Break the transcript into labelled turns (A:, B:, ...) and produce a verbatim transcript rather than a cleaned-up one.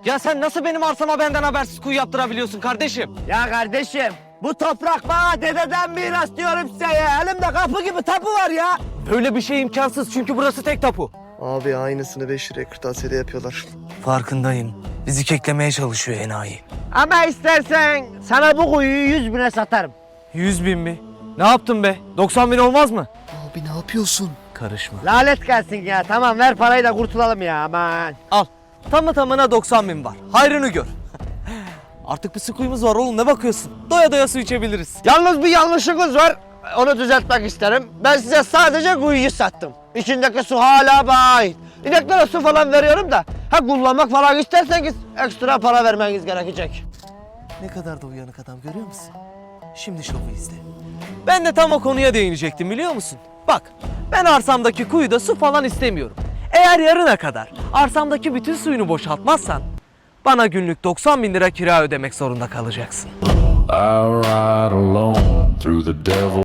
A: Ya sen nasıl benim arsama benden habersiz kuyu yaptırabiliyorsun kardeşim?
B: Ya kardeşim, bu toprak bana dededen miras diyorum size ya. Elimde kapı gibi tapu var ya.
A: Böyle bir şey imkansız çünkü burası tek tapu.
C: Abi aynısını beş liraya kırtasiyede yapıyorlar.
A: Farkındayım. Bizi keklemeye çalışıyor enayi.
B: Ama istersen sana bu kuyuyu yüz bine satarım.
A: Yüz bin mi? Ne yaptın be? doksan bin olmaz mı?
C: Abi ne yapıyorsun?
A: Karışma.
B: Lanet gelsin ya. Tamam ver parayı da kurtulalım ya aman.
A: Al. Tamı tamına doksan bin var. Hayrını gör. Artık bir su kuyumuz var oğlum, ne bakıyorsun? Doya doya su içebiliriz.
B: Yalnız bir yanlışınız var. Onu düzeltmek isterim. Ben size sadece kuyuyu sattım. İçindeki su hala bana ait. İneklere su falan veriyorum da. Ha kullanmak falan isterseniz ekstra para vermeniz gerekecek.
A: Ne kadar da uyanık adam, görüyor musun? Şimdi şovu izle. Ben de tam o konuya değinecektim, biliyor musun? Bak, ben arsamdaki kuyuda su falan istemiyorum. Eğer yarına kadar arsamdaki bütün suyunu boşaltmazsan bana günlük doksan bin lira kira ödemek zorunda kalacaksın.
D: I ride alone through the devil.